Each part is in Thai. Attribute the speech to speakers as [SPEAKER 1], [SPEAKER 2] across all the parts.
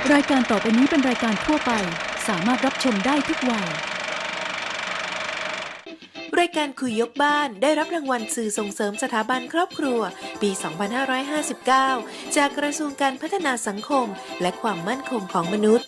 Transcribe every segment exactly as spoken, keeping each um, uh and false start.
[SPEAKER 1] รายการต่อไปนี้เป็นรายการทั่วไปสามารถรับชมได้ทุกวัย
[SPEAKER 2] รายการคุยยกบ้านได้รับรางวัลสื่อส่งเสริมสถาบันครอบครัวปี สองพันห้าร้อยห้าสิบเก้า จากกระทรวงการพัฒนาสังคมและความมั่นคงของมนุษย์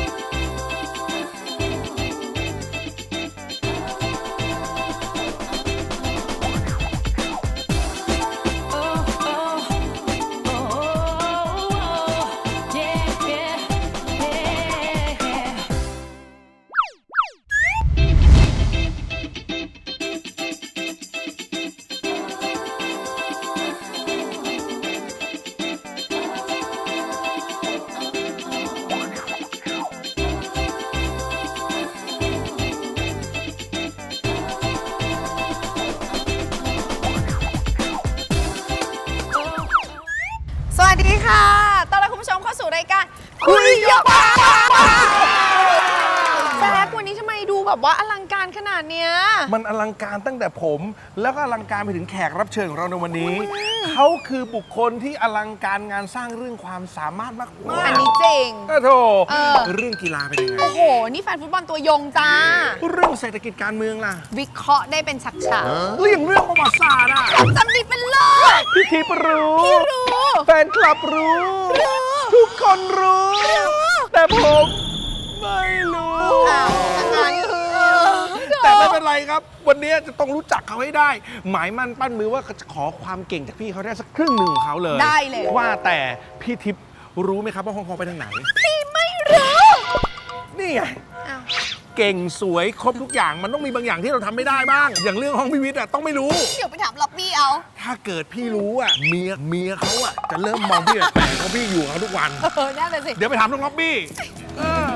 [SPEAKER 3] สวัสดีค่ะต้อนรับคุณผู้ชมเข้าสู่รายการคุยยกบ้านแจ๊ควันนี้ทำไมดูแบบว่าอลังการขนาดเนี้ย
[SPEAKER 4] มันอลังการตั้งแต่ผมแล้วก็อลังการไปถึงแขกรับเชิญของเราในวันนี้ เขาคือบุคคลที่อลังการงานสร้างเรื่องความสามารถมากๆ
[SPEAKER 3] อันนี้จริง
[SPEAKER 4] โอ้โถ
[SPEAKER 3] เออ
[SPEAKER 4] เรื่องกีฬาเป็นยังไง
[SPEAKER 3] โอ้โห นี่แฟนฟุตบอลตัวยงจ้า
[SPEAKER 4] เรื่องเศรษฐกิจการเมืองล่ะ
[SPEAKER 3] วิเคราะห์ได้เป็นฉาก
[SPEAKER 4] เรื่องเรื่องประวัติศาสตร์อ่ะ
[SPEAKER 3] ๆจำดีเป็นเลิศ
[SPEAKER 4] พี่ทิพย์รู้
[SPEAKER 3] พี่รู้
[SPEAKER 4] แฟนคลับรู้ ทุกคนรู้ แต่ผมไม่รู้
[SPEAKER 3] อ้าวงั้นคือ
[SPEAKER 4] แต่ไม่เป็นไรครับ วันนี้จะต้องรู้จักเขาให้ได้ หมายมั่นปั้นมือว่าจะขอความเก่งจากพี่เขาได้สักครึ่งหนึ่งของเขาเลย
[SPEAKER 3] ได้เลย
[SPEAKER 4] ว่าแต่พี่ทิพย์รู้ไหมครับว่าฮ่องกงไปทางไหน
[SPEAKER 3] พี่ไม่รู้
[SPEAKER 4] นี่ไง
[SPEAKER 3] อ้าว
[SPEAKER 4] เก่งสวยครบทุกอย่างมันต้องมีบางอย่างที่เราทำไม่ได้บ้าง อย่างเรื่องห้องพิวิทย์อ่ะต้องไม่รู้
[SPEAKER 3] เดี๋ยวไปถามล็อบบี้เอา
[SPEAKER 4] ถ้าเกิดพี่รู้อ่ะเมียเมียเขาอ่ะจะเริ่มมองพี่แปลกๆเพราะพี่อยู่กับเขาทุกวัน
[SPEAKER 3] เออนั่นเลยสิ
[SPEAKER 4] เดี๋ยวไปถามน้องล็อบบี้เออ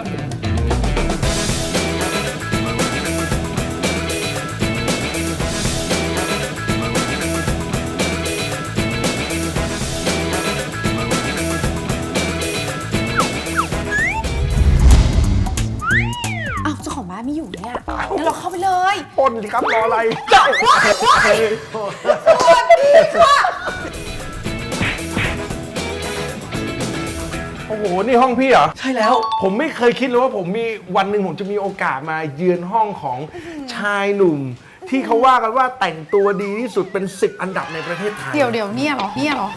[SPEAKER 3] อ้าวเจ้าของบ้านไม่อยู่เนี่ยงั้นเราเข้าไปเลย
[SPEAKER 4] ปนสิครับรออะไร โอ้โห นี่ห้องพี่เหรอ
[SPEAKER 5] ใช่แล้ว
[SPEAKER 4] ผมไม่เคยคิดเลยว่าผมมีวันหนึ่งผมจะมีโอกาสมาเยือนห้องของชายหนุ่ม ที่เขาว่ากันว่าแต่งตัวดีที่สุดเป็นสิบอันดับในประเทศไทย
[SPEAKER 3] เดี๋ยวเดี๋ยวเนี่ยเหรอเนี่ยเหรอ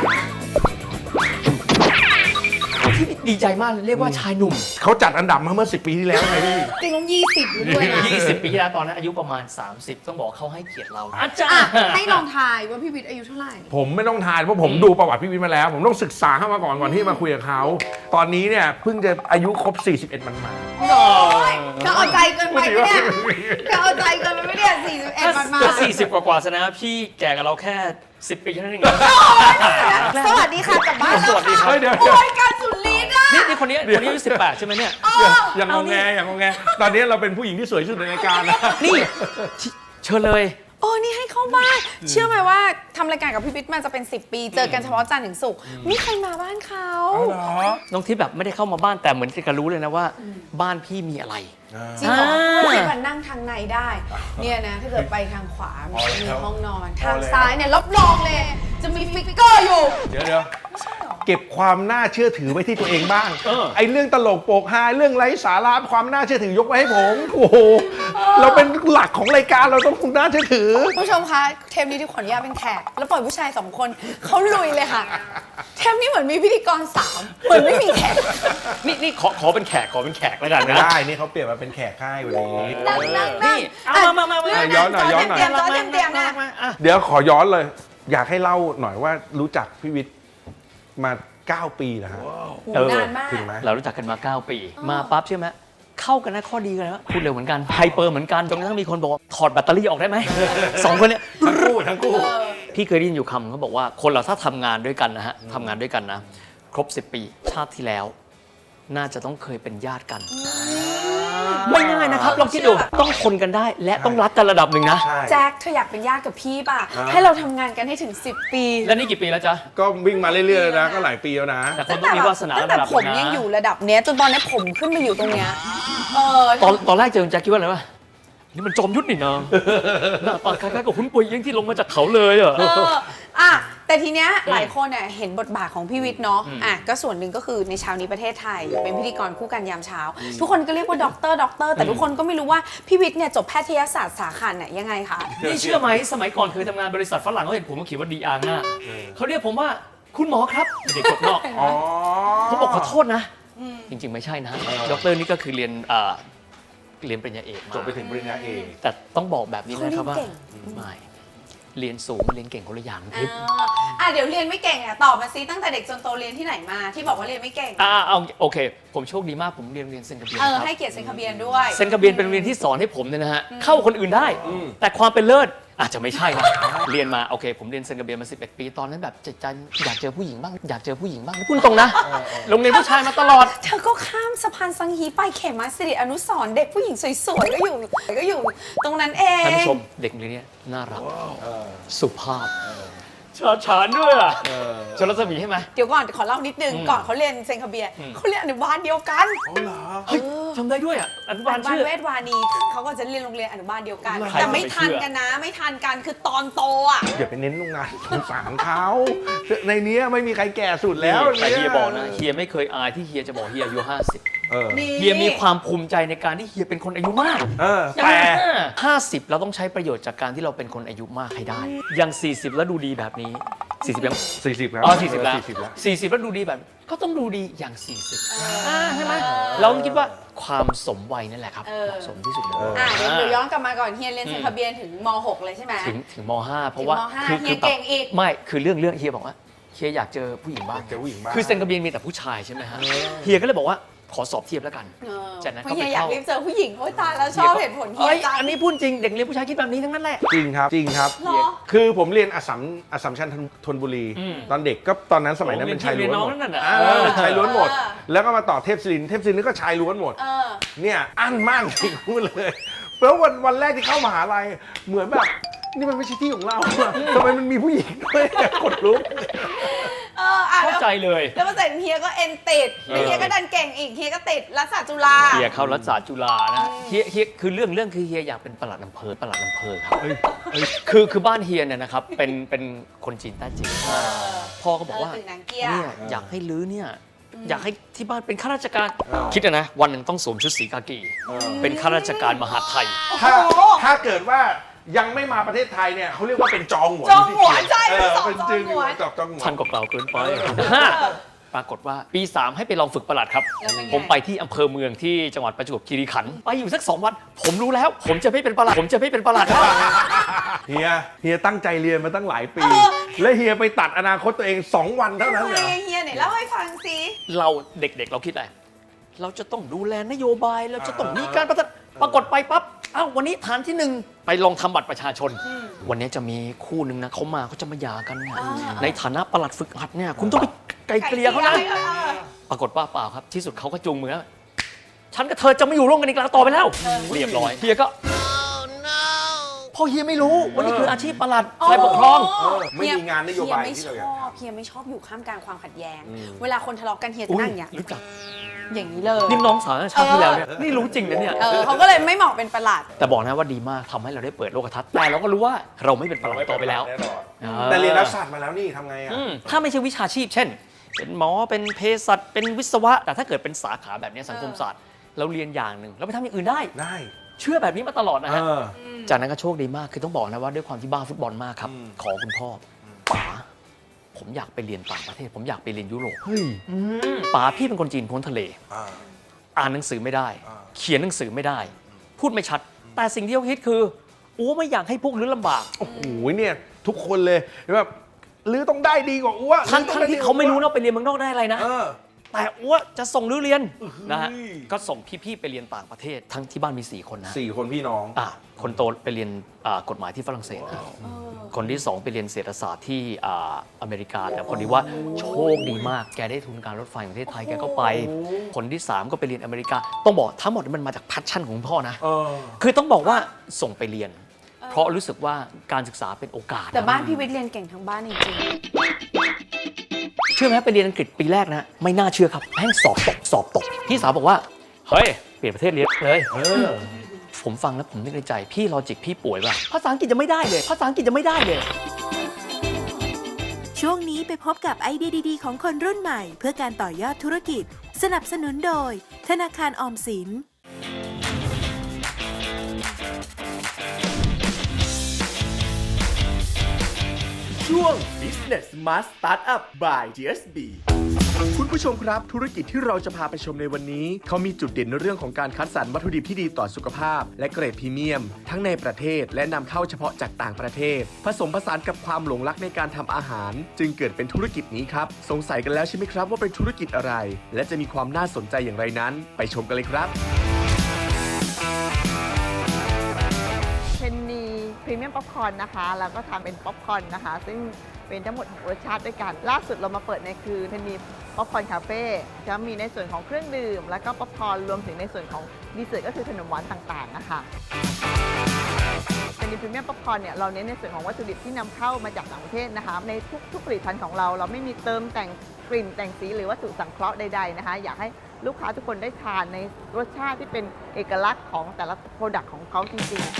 [SPEAKER 5] ดีใจมากเลยเรียกว่าชายหนุ่ม
[SPEAKER 4] เขาจัดอันดับมาเมื่อสิบปีที่แล้วไงพี่
[SPEAKER 3] จริงต้องยี่สิบอยู่ด้วยนะ
[SPEAKER 5] ยี่สิบ ปีที่แล้วตอนนั้นอายุประมาณ สามสิบ ต้องบอกเขาให้เกียรติเราอาจา
[SPEAKER 3] อ่ะ
[SPEAKER 5] รย์
[SPEAKER 3] ให้ลองทายว่าพี่วิทย์อายุเท่าไหร่
[SPEAKER 4] ผมไม่ต้องทายเพราะผมดูประวัติพี่วิทย์มาแล้ว ผมต้องศึกษาเข้ามาก่อนก่อนที่มาคุยกับเขาตอนนี้เนี่ยเพิ่งจะอายุครบสี่สิบเอ็ดมันมา
[SPEAKER 3] โอ้ยเธอเอาใจเกินไปไหมเนี่ยเธอเอาใจเกินไปไหมเนี่ยสี่สิบเอ็ด
[SPEAKER 5] ถ้า
[SPEAKER 3] มันมา
[SPEAKER 5] จะสี่สิบกว่าๆซะนะพี่แก่กับเราแค่ สิบ ปีเท่านั้นเองนะ
[SPEAKER 3] สวัสดีค่ะกลับบ้านแล้ว
[SPEAKER 5] สวัสดีครั
[SPEAKER 3] ค่ะ
[SPEAKER 5] บ
[SPEAKER 4] เดี๋ยว
[SPEAKER 3] โอ้ยการสุดฤทธิ์อ่ะ
[SPEAKER 5] นี่นี่คนนี้คนนี้อายุสิบแปดใช่ไหมเนี่ย
[SPEAKER 4] อย่างงงแงอย่างงงแงตอนนี้เราเป็นผู้หญิงที่สวยที่สุดในรายการนะ
[SPEAKER 5] นี่เชิญเลย
[SPEAKER 3] โอ้นี่ให้เข้าบ้านเชื่อไหมว่าทำรายการกับพี่วิทย์มาจะเป็นสิบปี เจอกันเฉพาะจันทร์ถึงศุกร์ไม่เคยมาบ้านเขา
[SPEAKER 4] เอาเหรอ
[SPEAKER 5] น้องทิพย์แบบไม่ได้เข้ามาบ้านแต่เหมือนจะรู้เลยนะว่าบ้านพี่มีอะไร
[SPEAKER 3] จริงเหรอ
[SPEAKER 5] อ่า
[SPEAKER 3] ไม่มันนั่งทางในได้ เนี่ยนะถ้าเกิดไปทางขวามันจะมีห้องนอน
[SPEAKER 4] พอ
[SPEAKER 3] ทาง
[SPEAKER 4] แล้ว
[SPEAKER 3] ซ้ายเนี่ยรับรองเลย จะมีฟิกเกอร์อยู่
[SPEAKER 4] เดี๋ยวเดี๋ยวเก็บความน่าเชื่อถือไว้ที่ตัวเองบ้าง
[SPEAKER 5] เออ
[SPEAKER 4] ไอ้เรื่องตลกโปกฮาเรื่องไร้สาระความน่าเชื่อถือยกไว้ให้ผม โอ้โห เราเป็นหลักของรายการเราต้องน่าเชื่อถือ
[SPEAKER 3] ผู้ชมคะเทปนี้ที่ขออนุญาตเป็นแขก แล้วปล่อยผู้ชายสองคนเขาลุยเลยค่ะ เทปนี้เหมือนมีพิธีกรสามเหมือนไม่มีแขก
[SPEAKER 5] นี่นี่ขอขอเป็นแขกขอเป็นแขกแล้วกัน
[SPEAKER 4] ไม่
[SPEAKER 5] นะ
[SPEAKER 4] ได้ นี่เขาเปลี่ยนมาเป็นแขกค่ายวันนี้
[SPEAKER 3] นั่งนั่งนั่ง
[SPEAKER 5] นี่เอามามามามา
[SPEAKER 4] ย้อนหน่อยย้อนหน่อย
[SPEAKER 3] เตรียมๆจอเตรียมเตรียมๆนะ
[SPEAKER 5] อ่ะ
[SPEAKER 4] เดี๋ยวขอย้อนเลย อยากให้เล่าหน่อยว่ารู้จักพี่วิทย์มาเก้าปีแล้วฮะ
[SPEAKER 3] โหนานมาก
[SPEAKER 4] ถึงไหม
[SPEAKER 5] เรารู้จักกันมา เก้า ปี มาปั๊บใช่ไหมเข้ากันนะข้อดีกันนะพูดเร็วเหมือนกันไฮเปอร์เหมือนกันจนกระทั่งมีคนบอกว่าถอดแบตเตอรี่ออกได้ไหม สองคนเนี้ย
[SPEAKER 4] ทั้งคู่ทั้งคู่
[SPEAKER 5] พี่เคยได้ยินอยู่คำเขาบอกว่าคนเราถ้าทำงานด้วยกันนะฮะทำงานด้วยกันนะครบ สิบ ปีชาติที่แล้ว น่าจะต้องเคยเป็นญาติกัน ไม่ง่ายนะครับลองคิดดูต้องทนกันได้ และต้องรักกันระดับหนึ่งนะ
[SPEAKER 4] ใช่
[SPEAKER 3] แจ็คเธออยากเป็นญาติกับพี่ป่ะ
[SPEAKER 4] อ่า
[SPEAKER 3] ให้เราทำงานกันให้ถึงสิบปี
[SPEAKER 5] แล้วนี่กี่ปีแล้วจ๊ะ
[SPEAKER 4] ก็วิ่งมาเรื่อยๆแล้วนะก็หลายปีแล้วนะ
[SPEAKER 5] แต่คนต้องมีวาสนา
[SPEAKER 3] ตั้ง
[SPEAKER 5] ระ
[SPEAKER 3] แต่
[SPEAKER 5] ดับ
[SPEAKER 3] ผม
[SPEAKER 5] หนึ่ง
[SPEAKER 3] ยัง
[SPEAKER 5] นะ
[SPEAKER 3] อยู่ระดับเนี้ยจนตอนนี้ผมขึ้นมาอยู่ตรงเนี้ยเออ
[SPEAKER 5] ตอนตอนแรกเจอแจ็คคิดว่าอะไรวะนี่มันจอมยุทธนี่นะหน้าตาคล้ายๆกับหุ้นปุยเอี้ยงที่ลงมาจากเขาเลยอ่ะ
[SPEAKER 3] เอออ่ะแต่ทีเนี้ยหลายคนเนี่ยเห็นบทบาทของพี่วิทย์เนาะอ่ะก็ส่วนหนึ่งก็คือในเช้านี้ประเทศไทย เป็นพิธีกรคู่กันยามเช้า ทุกคนก็เรียกว่าด็อกเตอร์ด็อกเตอร์แต่ทุกคนก็ไม่รู้ว่าพี่วิทย์เนี่ยจบแพทยศาสตร์สาขาไหนยังไงคะ
[SPEAKER 5] นี่เชื่อไหมสมัยก่อนเคยทำงานบริษัทฝรั่งเขาเห็นผมเขาเขียนว่าดีอาร์หน้าเขาเรียกผมว่าคุณหมอครับเด็กจบนอก
[SPEAKER 4] อ๋อ
[SPEAKER 5] ผมบอกขอโทษนะ จริงๆไม่ใช่นะด็อกเตอร์นี่ก็คือเรียนอ่าเรียนปริญญาเอกมา
[SPEAKER 4] จบไปถึงปริญญาเอก
[SPEAKER 5] แต่ต้องบอกแบบนี้นะครับว่า
[SPEAKER 3] เขาเรียนเก่ง
[SPEAKER 5] ไม่เรียนสูงมาเรียนเก่งคนละอย่างทิพย์
[SPEAKER 3] อ่าอ่ะเดี๋ยวเรียนไม่เก่งอ่ะตอบมาซิตั้งแต่เด็กจนโตเรียนที่ไหนมาที่บอกว่าเรียนไม่เก่ง
[SPEAKER 5] อ่าเอาโอเค ผมโชคดีมากผมเรียนโรงเรียนเซนต์กระเบียน
[SPEAKER 3] เออ
[SPEAKER 5] ครับ
[SPEAKER 3] ให้เกียรติเซ็นทะเบียนด้วย
[SPEAKER 5] เซนต์กระเบียนเป็นโรงเรียนที่สอนให้ผมเนี่ยนะฮะเข้าคนอื่นได้ แต่ความเป็นเลิศอาจจะไม่ใช่นะเรียนมาโอเค ผมเรียนเซนต์กระเบียนมาสิบเอ็ดปีตอนนั้นแบบใจใจอยากเจอผู้หญิงบ้างอยากเจอผู้หญิงบ้างพูดตรงนะโรงเรียนผู้ชายมาตลอด
[SPEAKER 3] เธอก็ข้ามสะพานสังฮีไปเขมาสิริอนุสรณ์เด็กผู้หญิงสวยๆก็อยู่ก็อยู่ตรงนั้นเอง
[SPEAKER 5] ท่านผู้ชมเด็กโรงเรียนเนี้น่ารักสุภาพชาฉานด้วยอ่ะชลสมีใช่ไหม
[SPEAKER 3] เดี๋ยวก่อนขอเล่านิดนึง
[SPEAKER 5] อืม
[SPEAKER 3] ก่อนเขาเรียนเซนคาเบีย
[SPEAKER 5] อืม
[SPEAKER 3] เขาเรียนอนุบาลเดียวกัน
[SPEAKER 4] อ๋อเหรอ
[SPEAKER 5] เฮ้ยจำได้ด้วยอ่ะอนุบาล
[SPEAKER 3] อนุบาล
[SPEAKER 5] ชื่อ
[SPEAKER 3] เวทวานีเขาก็จะเรียนโรงเรียนอนุบาลเดียวกัน
[SPEAKER 5] ใคร
[SPEAKER 3] แต่ไม่
[SPEAKER 5] จะไป
[SPEAKER 3] ทัน
[SPEAKER 5] เชื่อ
[SPEAKER 3] กันนะ ไม่ทันกันคือตอนโตอ่ะ
[SPEAKER 4] อย่าไปเน้นโรงงานสงสารเขาในเนี้ยไม่มีใครแก่สุดแล้ว
[SPEAKER 5] แต่เฮียบอกนะเฮียไม่เคยอายที่เฮียจะบอกเฮียอายุห้าสิบ
[SPEAKER 4] เออ
[SPEAKER 3] นี่
[SPEAKER 5] เฮียมีความภูมิใจในการที่เฮียเป็นคนอายุมาก
[SPEAKER 4] เออแต่
[SPEAKER 5] ห้าสิบเราต้องใช้ประโยชน์จากการที่เราเป็นคนอายุมากให้ได้อย่างสี่สิบแล้วดูดีแบบนี้สี่สิบยัง
[SPEAKER 4] สี่สิบแล้ว
[SPEAKER 5] อ๋อสี่สิบแล้ว
[SPEAKER 4] สี่สิบแล้ว
[SPEAKER 5] สี่สิบแล้วดูดีแบบก็ต้องดูดีอย่างสี่สิบอ่าใช่ไหมเราคิดว่าความสมวัยนั่นแหละครับ
[SPEAKER 3] เออ
[SPEAKER 5] เหมาะสมที่สุดเลย
[SPEAKER 3] อ่ะเดี๋ยวเดี๋ยวย้อนกลับมาก่อนเฮียเรียนเซนคาเบียถึงม หก เลยใช่ไหม
[SPEAKER 5] ถึงถึงมห้าเพราะว่า
[SPEAKER 3] ถึงมห้า
[SPEAKER 5] คื
[SPEAKER 3] เฮีย
[SPEAKER 5] แบบ
[SPEAKER 3] เก่งอีก
[SPEAKER 5] ไม่คือเรื่องเรื่องเฮียบอกว่าเฮียอยากเจอผู้หญิงบ้าง
[SPEAKER 4] เจอผู้หญิงบ้าง
[SPEAKER 5] คือเซนกระเบียนมีแต่ผู้ชายใช่ไหมฮะเฮียก็เลยบอกว่าขอสอบเทียบแล้วกัน
[SPEAKER 3] เออ
[SPEAKER 5] จากนั้น
[SPEAKER 3] เพ
[SPEAKER 5] ก็
[SPEAKER 3] ราะ
[SPEAKER 5] ไป
[SPEAKER 3] เฮียอยาก
[SPEAKER 5] เข้า
[SPEAKER 3] รีบเจอผู้หญิงโอ๊ยตายแล้วชอบเหตุผลเฮี
[SPEAKER 5] เฮ้
[SPEAKER 3] ย
[SPEAKER 5] ย
[SPEAKER 3] จัง
[SPEAKER 5] อันนี้พูดจริงเด็กเรียนผู้ชายคิดแบบนี้ทั้งนั้นแหละ
[SPEAKER 4] จริงครับจริงครับ
[SPEAKER 3] เหรอ
[SPEAKER 4] คือผมเรียนอัสสัมอัสสัมชัญธนบุรี
[SPEAKER 5] อืม
[SPEAKER 4] ตอนเด็กก็ตอนนั้นสมัยนั้น
[SPEAKER 5] โอ้
[SPEAKER 4] เป็นชายล้วน
[SPEAKER 5] เรียนน้
[SPEAKER 4] ห
[SPEAKER 5] อง
[SPEAKER 4] มด
[SPEAKER 5] นั่นน่ะ
[SPEAKER 4] อ่า
[SPEAKER 5] เออ
[SPEAKER 4] ชายล้วนหมด
[SPEAKER 3] เออ
[SPEAKER 4] แล้วก็มาต่อเทพศิรินทร์เทพศิรินทร์นี่ก็ชายล้วนหมด
[SPEAKER 3] เออ
[SPEAKER 4] เนี่ยอั้นมากจริงพูดเลยแล้ววันวันแรกที่เข้ามหาลัยเหมือนแบบนี่มันไม่ใช่ที่ของเราอะทำไมมันมีผู้หญิงด้วยกดลุก
[SPEAKER 3] เอออ่ะ
[SPEAKER 5] เข้า
[SPEAKER 3] แล้ว
[SPEAKER 5] ใจเลย
[SPEAKER 3] แล้วมาเสร็จเฮียก็เอ็นติดแล้วเฮียก็ดันเก่งอีกเฮียก็ติดรัฐศาสตร์จุฬา
[SPEAKER 5] เฮียเข้ารัฐศาสตร์จุฬานะเฮียเฮียคือเรื่องเรื่องคือเฮียอยากเป็นปลัดอำเภอปลัดอำเภอครับคือคือบ้านเฮียเนี่ยนะครับเป็นเป็นคนจีนแต้จิ๋วพ่อก็บอกว่า
[SPEAKER 3] เออตึกหนังเกี้ย
[SPEAKER 5] เนี่ยอยากให้ลื้อเนี่ยอยากให้ที่บ้านเป็นข้าราชการคิดอะนะวันหนึ่งต้องสวมชุดสีกากีเป็นข้าราชการมหาดไทย
[SPEAKER 4] ถ้าถ้าเกิดว่ายังไม่มาประเทศไทยเนี่ยเขาเรียกว่าเป็นจองหวน
[SPEAKER 3] จองหวนใช่
[SPEAKER 4] เออ
[SPEAKER 3] เป็นสอบ
[SPEAKER 4] เป็น
[SPEAKER 3] จอง
[SPEAKER 4] จึง
[SPEAKER 3] หวน
[SPEAKER 4] จอบจองหวน
[SPEAKER 5] ท่านก็กล่าวเกินไป ปรากฏว่าปี สามให้ไปลองฝึกประหลัดครับ
[SPEAKER 3] แล้วเป็นไง
[SPEAKER 5] ผมไปที่อำเภอเมืองที่จังหวัดประจวบคีรีขันธ์ไปอยู่สักสองวัน ผมรู้แล้ว ผมจะไม่เป็นประหลัด ผมจะไม่เป็นประหลัด
[SPEAKER 4] เฮียเฮียตั้งใจเรียนมาตั้งหลายปี และเฮียไปตัดอนาคตตัวเองสองวันเท่านั้น
[SPEAKER 3] ทำ
[SPEAKER 4] เห
[SPEAKER 3] ไม
[SPEAKER 4] รอ
[SPEAKER 3] เฮียไหนเล่าให้ฟังสิ
[SPEAKER 5] เราเด็กๆ เราคิดอะไร เราจะต้องดูแลนโยบาย เราจะต้องมีการพัฒนาปรากฏไปปั๊บ อ้าววันนี้ฐานที่หนึ่งไปลองทำบัตรประชาชน วันนี้จะมีคู่หนึ่งนะเขามาเขาจะมาหย่ากันเนี่ย
[SPEAKER 3] อ่า
[SPEAKER 5] ในฐานะประหลัดฝึกหัดเนี่ยคุณต้องไปไกลเกลี่ยเขานะ
[SPEAKER 3] ไกลเกลี่ยให้
[SPEAKER 5] ปรากฏว่าเปล่าครับ ที่สุดเขาก็จูงมือฉันกับเธอจะไม่อยู่ร่วมกันอีกแล้วต่อไปแล้ว เรียบร้อยเฮียก็พอเฮียไม่รู้วันนี้คืออาชีพประหลัดฝ่ายปกครอง
[SPEAKER 4] เออไม่มีงานนโยบาย
[SPEAKER 3] เฮี
[SPEAKER 4] ที่
[SPEAKER 3] ไม่ช
[SPEAKER 4] เราอยาก
[SPEAKER 3] อบเฮียไม่ชอบอยู่ข้ามกลางความขัดแย้ง เวลาคนทะเลาะกันเฮียจะนั่งอย่างเงี้ย
[SPEAKER 5] รู้จัก
[SPEAKER 3] อย่างนี้เลย
[SPEAKER 5] นี่น้องสาวชาติที่แล้วเนี่ยนี่รู้จริงนะเนี่ย
[SPEAKER 3] เออเขาก็เลยไม่เหมาะเป็นประหลัด
[SPEAKER 5] แต่บอกนะว่าดีมากทำให้เราได้เปิดโลกทัศน์แต่เราก็รู้ว่าเราไม่เป็นประหลัดต่อไปแล้ว
[SPEAKER 4] แน่นอน
[SPEAKER 5] อ่า
[SPEAKER 4] แต่เรียนรัฐศาสตร์มาแล้วนี่ทำไงอ่ะ
[SPEAKER 5] อืมถ้าไม่ใช่วิชาชีพ เช่น เป็นหมอเป็นเภสัชเป็นวิศวะ แต่ถ้าเกิดเป็นสาขาแบบนี้สังคมศาสตร์ เราเรียนอย่างหนึ่งเราไปทำอย่างอื่นได้
[SPEAKER 4] ได้
[SPEAKER 5] เชื่อแบบนี้มาตลอดนะ
[SPEAKER 4] เอ
[SPEAKER 5] ฮะ
[SPEAKER 4] อ
[SPEAKER 5] จากนั้นก็โชคดีมากคือต้องบอกนะว่าด้วยความที่บ้าฟุตบอลมากครับ
[SPEAKER 4] อืม
[SPEAKER 5] ขอคุณพ่อป๋าผมอยากไปเรียนต่างประเทศ ผมอยากไปเรียนยุโรป
[SPEAKER 4] เฮ้ย
[SPEAKER 5] อืมป๋าพี่เป็นคนจีนพ้นทะเล
[SPEAKER 4] อ่า
[SPEAKER 5] อ่านหนังสือไม่ได้
[SPEAKER 4] อ่า
[SPEAKER 5] เขียนหนังสือไม่ได้ พูดไม่ชัด แต่สิ่งที่เขาคิดคือโอ้ไม่อยากให้พวกลื้อลำบาก
[SPEAKER 4] โอ้โหเนี่ยทุกคนเลยแบบหรือต้องได้ดีกว่าอ้ว
[SPEAKER 5] ทั้ง
[SPEAKER 4] หรือ
[SPEAKER 5] ทั้ง
[SPEAKER 4] ต้องด้
[SPEAKER 5] ที่
[SPEAKER 4] ดีกว่
[SPEAKER 5] เขาไม่รู้นะไปเรียนเมืองนอกได้อะไรนะ
[SPEAKER 4] เออ
[SPEAKER 5] แต่อ้วจะส่งลื้อเรียนนะฮะ
[SPEAKER 4] เฮ้ย
[SPEAKER 5] ก็ส่งพี่ๆไปเรียนต่างประเทศ ทั้งที่บ้านมีสี่คนนะ
[SPEAKER 4] สี่คนพี่น้อง
[SPEAKER 5] อ่ะคนโตไปเรียนอ่ากฎหมายที่ฝรั่งเศสนะคนที่สองไปเรียนเศรษฐศาสตร์ที่อ่าอเมริกา แต่คนนี้ว่าโชคดีมาก แกได้ทุนการรถไฟของประเทศไทยแกก็ไป คนที่สามก็ไปเรียนอเมริกา ต้องบอกทั้งหมดมันมาจากแพชชั่นของคุณพ่อนะ
[SPEAKER 4] เออ
[SPEAKER 5] คือต้องบอกว่าส่งไปเรียน เพราะรู้สึกว่าการศึกษาเป็นโอกาส
[SPEAKER 3] แต่บ้านพี่วิทย์เรียนเก่งทั้งบ้านจริง
[SPEAKER 5] เชื่อไหมไปเรียนอังกฤษปีแรกนะ ไม่น่าเชื่อครับแม่งสอบตกสอบตกพี่สาวบอกว่า เฮ้ย เปลี่ยนประเทศเรียนเลย
[SPEAKER 4] เออ
[SPEAKER 5] ผมฟังแล้วผมนึกในใจพี่ลอจิกพี่ป่วยป่ะภาษาอังกฤษจะไม่ได้เลยภาษาอังกฤษจะไม่ได้เลย
[SPEAKER 2] ช่วงนี้ไปพบกับไอเดียดีๆของคนรุ่นใหม่เพื่อการต่อยอดธุรกิจสนับสนุนโดยธนาคารออมสิน
[SPEAKER 6] ช่วง Business Smart Startup by จี เอส บี คุณผู้ชมครับธุรกิจที่เราจะพาไปชมในวันนี้เขามีจุดเด่นในเรื่องของการคัดสรรวัตถุดิบที่ดีต่อสุขภาพและเกรดพรีเมียมทั้งในประเทศและนำเข้าเฉพาะจากต่างประเทศผสมผสานกับความหลงรักในการทำอาหารจึงเกิดเป็นธุรกิจนี้ครับสงสัยกันแล้วใช่ไหมครับว่าเป็นธุรกิจอะไรและจะมีความน่าสนใจอย่างไรนั้นไปชมกันเลยครับ
[SPEAKER 7] เพนนีพรีเมียมป๊อปคอร์นนะคะแล้วก็ทำเป็นป๊อปคอร์นนะคะซึ่งเป็นทั้งหมดหกรสชาติด้วยกันล่าสุดเรามาเปิดในคือเพนนีป๊อปคอร์นคาเฟ่จะมีในส่วนของเครื่องดื่มแล้วก็ป๊อปคอร์นรวมถึงในส่วนของดีเซอร์ทก็คือขนมหวานต่างๆนะคะเพนนีพรีเมียมป๊อปคอร์นเนี่ยเราเน้นในส่วนของวัตถุดิบที่นำเข้ามาจากต่างประเทศนะคะในทุกๆผลิตภัณฑ์ของเราเราไม่มีเติมแต่งกลิ่นแต่งสีหรือวัตถุสังเคราะห์ใดๆนะคะอยากให้ลูกค้าทุกคนได้ทานในรสชาติที่เป็นเอกลักษณ์ของแต่ละโปรดักต์ของเขาจริงๆ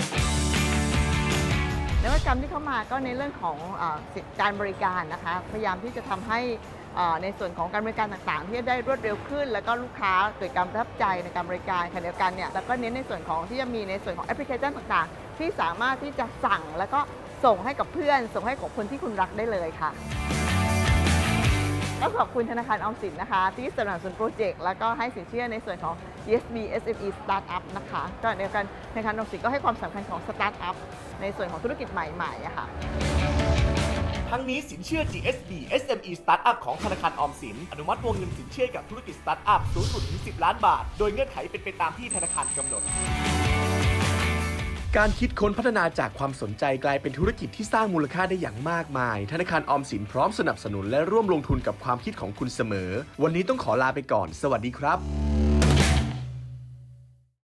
[SPEAKER 7] นวัตกรรมที่เข้ามาก็ในเรื่องของเอ่อการบริการนะคะพยายามที่จะทำให้เอ่อในส่วนของการบริการต่างๆที่จะได้รวดเร็วขึ้นแล้วก็ลูกค้าเกิดการประทับใจในการบริการขณะเดียวกันเนี่ยแล้วก็เน้นในส่วนของที่จะมีในส่วนของแอปพลิเคชันต่างๆที่สามารถที่จะสั่งแล้วก็ส่งให้กับเพื่อนส่งให้กับคนที่คุณรักได้เลยค่ะก็ขอบคุณธนาคารออมสินนะคะที่สนับสนุนโปรเจกต์แล้วก็ให้สินเชื่อในส่วนของ จี เอส บี เอส เอ็ม อี Startup นะคะก็ในการธนาคารออมสินก็ให้ความสำคัญของ Startup ในส่วนของธุรกิจใหม่ๆอะค่ะ
[SPEAKER 6] ทั้งนี้สินเชื่อ จี เอส บี เอส เอ็ม อี Startup ของธนาคารออมสินอนุมัติวงเงินสินเชื่อกับธุรกิจ Startup สูงสุดถึงสิบล้านบาทโดยเงื่อนไขเป็นไปตามที่ธนาคารกำหนดการคิดค้นพัฒนาจากความสนใจกลายเป็นธุรกิจที่สร้างมูลค่าได้อย่างมากมายธนาคารออมสินพร้อมสนับสนุนและร่วมลงทุนกับความคิดของคุณเสมอวันนี้ต้องขอลาไปก่อนสวัสดีครับ